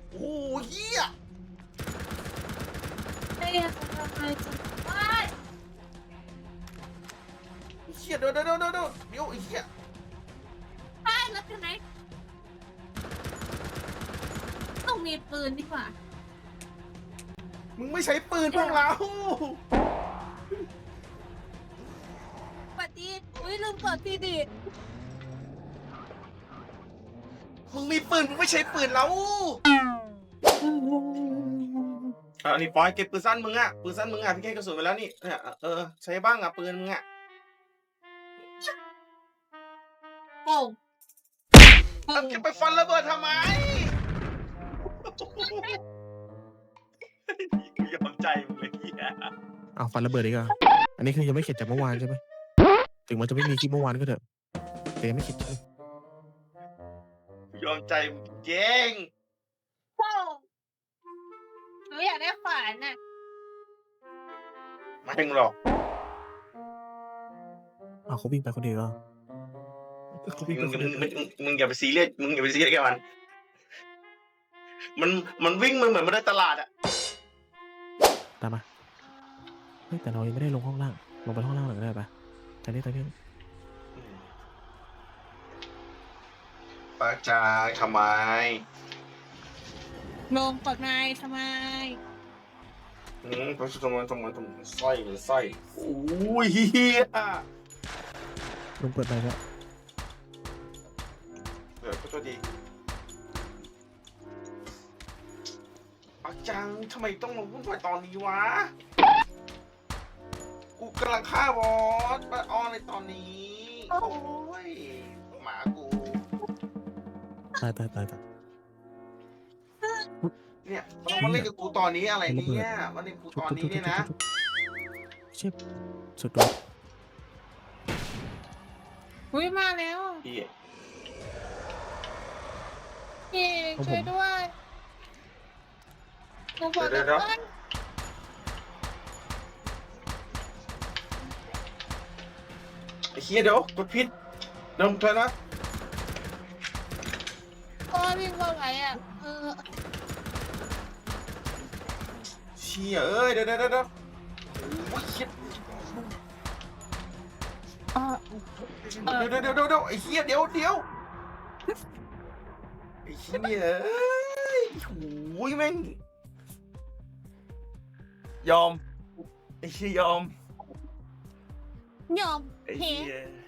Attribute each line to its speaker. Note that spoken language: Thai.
Speaker 1: โอ้ยเฮีย
Speaker 2: ไอ้ทำไมจะไม่
Speaker 1: เฮียเดี๋ยวไอ้เฮีย
Speaker 2: ได้แล้วใช่ไหมต้องมีปืนดีกว่า
Speaker 1: มึงไม่ใช้ปืนพวกเรา
Speaker 2: ปฏิอุ้ยลืมเปิดทีดิ
Speaker 1: มึงมีปืนมึงไม่ใช้ปืนเรานี่ปอยเก็บปืนสั้นมึงอ่ะปืนสั้นมึงอ่ะพี่แค่กระสุนไปแล้วนี่เนี่ยใช้บ้างอ่ะปืนมึงอ่ะ
Speaker 2: โอ้
Speaker 1: เอาเก็บไปฟันระเบิดทำไมกูยอมใจมึงเลยเฮีย
Speaker 3: เอาฟันระเบิดอีกอ่ะอันนี้คือยังไม่เข็ดจากเมื่อวานใช่ไหมถึงมันจะไม่มีคลิปเมื่อวานก็เถอะแต่ยังไม่เข็ดเลย
Speaker 1: กูยอมใจมึงเจ๊ง
Speaker 2: โหหนูอยากได้ขวานน่ะ
Speaker 1: ไม่ถึงหรอก
Speaker 3: เอาเขาวิ่งไปคนเดียวเหรอเขาวิ่งไปคนเดียว
Speaker 1: มึงอย่าไปซีเรียสมึงอย่าไปซีเรียสกับมันวิ่งมันเหมือนมันได้ตลาดอ่ะ
Speaker 3: ตามมาเฮ้ยแต่เรายังไม่ได้ลงห้องล่างลงไปห้องล่างหน่อยก็ได้ปะตอนนี้
Speaker 1: ปากจางทำไม
Speaker 2: ลงกดไม้ทำไม
Speaker 1: เพราะทำไมสร้อยโอ้ยเฮีย
Speaker 3: ลงเปิดไปแล้ว
Speaker 1: ก็ตัวดีปากจางทำไมต้องลงวุ่นวายตอนนี้วะกูกำลังฆ่าบอสมาออนในตอนนี้โอ้ยหมากู
Speaker 3: ตาย
Speaker 1: เนี่ยมันมาเล่นกับกูตอนนี้อะไรเนี่ยมาเล่นกูตอนนี้เนี่ยนะ
Speaker 3: เชฟสุดตัว
Speaker 2: อุ้ยมาแล้ว
Speaker 1: พี่
Speaker 2: พี่ช่วยด้วยหนูบอกเลยว่า
Speaker 1: ไอ้เฮียเดี๋ยวกดพิษเดิมเถอะนะ
Speaker 2: พ่อวิ่งมาไหวอ่ะ
Speaker 1: เชี่ยเอ้ยเดี๋ยวโอ้ยเฮียเดี๋ยวไอ้เฮียเดี๋ยวไอ้เฮียเอ้ยโอ้ยแม่งยอมไอ้เฮียยอม
Speaker 2: ยอม
Speaker 1: ไอ้
Speaker 2: เฮ
Speaker 1: เฮีย